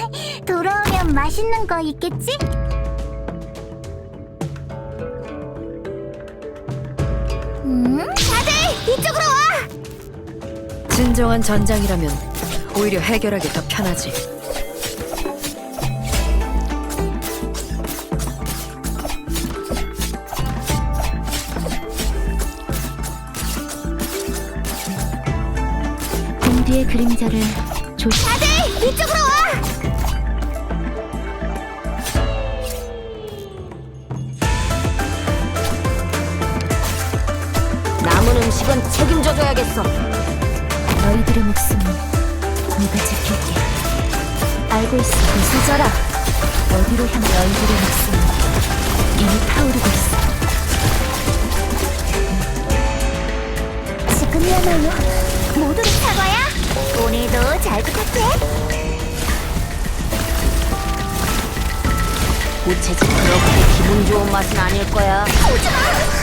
돌아오면 맛있는 거 있겠지? 다들 이쪽으로 와! 진정한 전장이라면 오히려 해결하기 더 편하지. 공뒤의 그림자를 조심. 다들 이쪽으로 와! 남은 음식은 책임져줘야겠어. 너희들의 목숨은 내가 지킬게. 알고 있어. 부서져라. 어디로 향해 너희들의 목숨은 이미 타오르고 있어. 지금이야말로 모두를 사과야. 오늘도 잘 부탁해. 우체국 그렇게 기분 좋은 맛은 아닐 거야. 오지마!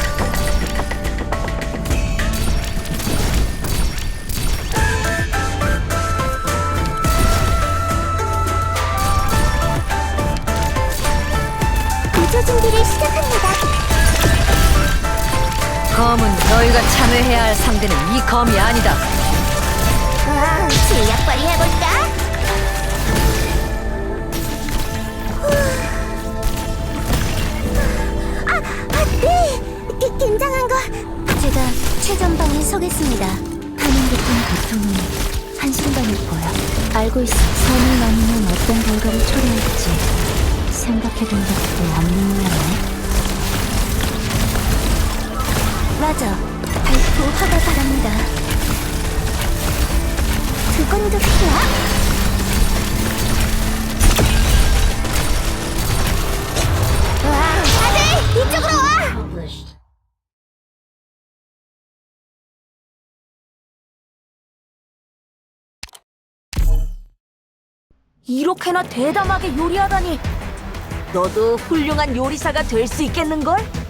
구조 준비를 시작합니다. 검은 너희가 참여해야 할 상대는 이 검이 아니다. 실력 발휘해볼까? 네! 긴장한 거! 제가 최전방에 서겠습니다. 하는 듯한 고통은 한순간일 거야. 알고 있어. 선을 넘으면 어떤 결과를 초래할지 생각해본 적도 없는 모양이네. 맞아. 발포 허가 바랍니다. 그건 좋구나. 다들 이쪽으로 와! 이렇게나 대담하게 요리하다니. 너도 훌륭한 요리사가 될 수 있겠는걸?